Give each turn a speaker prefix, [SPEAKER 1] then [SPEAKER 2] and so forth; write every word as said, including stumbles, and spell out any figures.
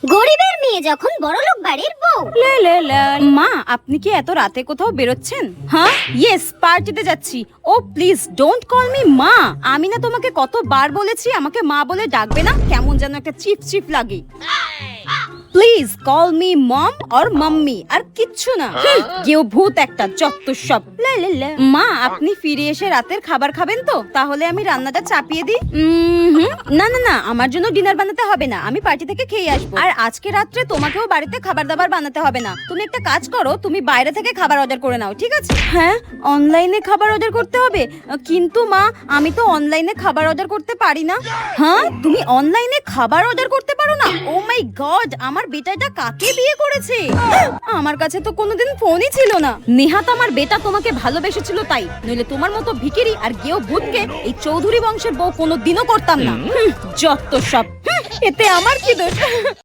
[SPEAKER 1] গরিবের মেয়ে যখন বড়লোক বাড়ির বউ।
[SPEAKER 2] লে লে লে। মা, আপনি কি এত রাতে কোথাও বেরোচ্ছেন? হ্যাঁ, ইয়েস, পার্টিতে যাচ্ছি। ও প্লিজ ডোন্ট কল মি মা। আমি না তোমাকে কতবার বলেছি আমাকে মা বলে ডাকবে না, কেমন যেন একটা চিপ চিপ লাগে। Please call me mom or mummy, আর কিচ্ছু না। কেউ ভূত একটা, যত সব। লে লে লে। মা, আপনি ফিরে এসে রাতের খাবার খাবেন তো? তাহলে আমি রান্নাটা চাপিয়ে দিই। উম, হুম, না না না, আমার জন্য ডিনার বানাতে হবে না, আমি পার্টি থেকে খেয়ে আসবো। আর আজকে রাত্রে তোমাকেও বাড়িতে খাবার দাবার বানাতে হবে না। তুমি একটা কাজ করো, তুমি বাইরে থেকে খাবার অর্ডার করে নাও, ঠিক আছে? হ্যাঁ, অনলাইনে খাবার অর্ডার করতে হবে? কিন্তু মা, আমি তো অনলাইনে খাবার অর্ডার করতে পারি না। হ্যাঁ, তুমি অনলাইনে খাবার অর্ডার করতে পারো না? ও মাই গড, আমার বেটাটা কাকে বিয়ে করেছে? আমার কাছে তো কোনোদিন ফোনই ছিল না। নেহাত আমার বেটা তোমাকে ভালোবেসেছিল তাই, নইলে তোমার মতো ভিখিরি আর গেও ভূতকে এই চৌধুরী বংশের বউ কোনোদিনও করতাম না। হুম, যত সব। হুম, এতে আমার কি দোষ?